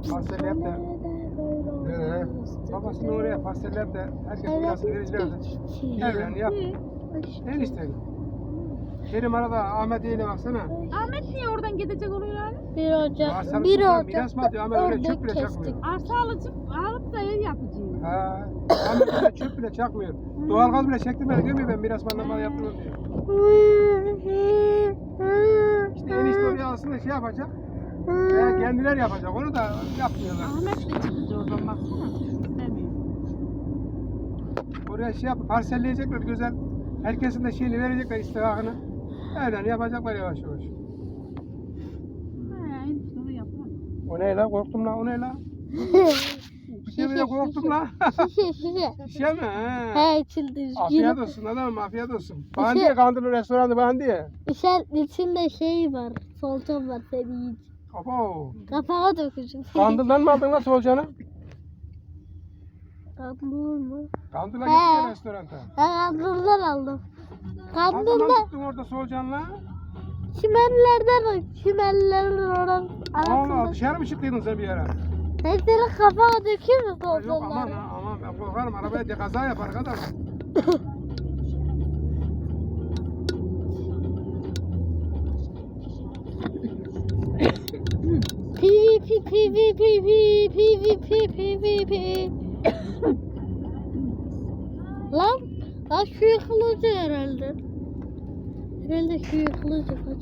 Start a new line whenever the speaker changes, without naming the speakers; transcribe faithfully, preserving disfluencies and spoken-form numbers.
Pastelleyip de Nereye? Babasını oraya pastelleyip de herkes mirasını verirlerdi. Evlerini yap. En istedim. Benim arada Ahmet Yeğen'e baksana.
Ahmet niye oradan gidecek oluyor abi?
Bir Ocak,
Arsalık
bir
sultan miras mı
Ocak'ta
atıyor? Ahmet öyle
ördek
çöp bile
kestik.
çakmıyor.
Arsa alıcı alıp da ev yapacağım.
Ha, Ahmet öyle çöp bile çakmıyor. Doğalgaz bile çektirmedi diyor mu ben miras manlamalı yaptırmam diyor. İşte enişte oraya aslında şey yapacak. Veya kendiler yapacak. Onu da yapmıyorlar.
Ahmet de çıkacak oradan baksana. İstemiyor.
Oraya şey yapıp parselleyecekler güzel. Herkesin de şeyini verecekler istihakını. Öyle yapacaklar yavaş yavaş.
He, enişte onu yapmaz.
O ne la? Korktum la. O ne la? Bir şey bile korktum la.
Şişe şişe.
Şey mi? He.
He içildi.
Afiyet olsun adamım afiyet olsun. Bana diye kandırır restoranı bana diye.
İçer, içinde şey var. Solcan var seni yiyici.
Abo.
Kafana dökeceğim.
Kandıldan mı aldın la solucanı?
Kandıl mı?
Kandıla
He.
gitti restoranta.
Ben kandıldan aldım.
Kandıldan
Kandılda
tuttun orada solucanla.
çimenlerden çimenlerin oran
Allah
arasında.
dışarı mı çıktıydın sen bir yere?
Ben senin kafana dökeyim mi
Ha, Yok aman
solcanları?
ha aman ben korkarım arabaya de kaza yapar kadar.
PvP PvP PvP PvP Lan, lan şu yıkılıcı herhalde. Herhalde şu yıkılıcı.